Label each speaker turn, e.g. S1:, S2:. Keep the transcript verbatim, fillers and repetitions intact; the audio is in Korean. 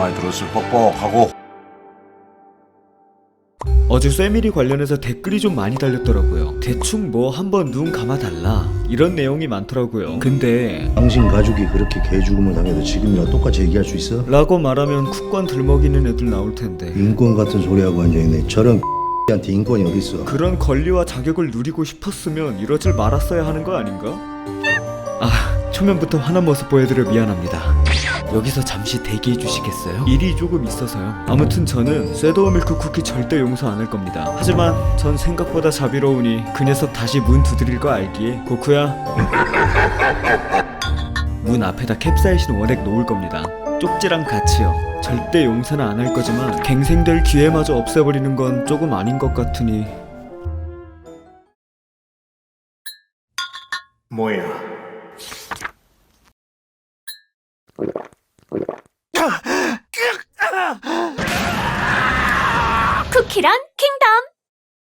S1: 많이 들었을 뻑뻑하고.
S2: 어제 쇠밀이 관련해서 댓글이 좀 많이 달렸더라고요. 대충 뭐 한번 눈 감아달라 이런 내용이 많더라고요. 근데
S3: 당신 가족이 그렇게 개죽음을 당해도 지금이랑 똑같이 얘기할 수 있어?
S2: 라고 말하면 국권 들먹이는 애들 나올 텐데
S3: 인권 같은 소리하고 앉아있네. 저런 한테 인권이 어딨어?
S2: 그런 권리와 자격을 누리고 싶었으면 이러질 말았어야 하는 거 아닌가? 아, 초면부터 화난 모습 보여드려 미안합니다. 여기서 잠시 대기해 주시겠어요? 일이 조금 있어서요. 아무튼 저는 쇠도우 밀크 쿠키 절대 용서 안 할 겁니다. 하지만 전 생각보다 자비로우니 그 녀석 다시 문 두드릴 거 알기에 고쿠야 문 앞에다 캡사이신 원액 놓을 겁니다. 쪽지랑 같이요. 절대 용서는 안 할 거지만 갱생될 기회마저 없애버리는 건 조금 아닌 것 같으니.
S1: 뭐야?
S4: 쿠키런 킹덤.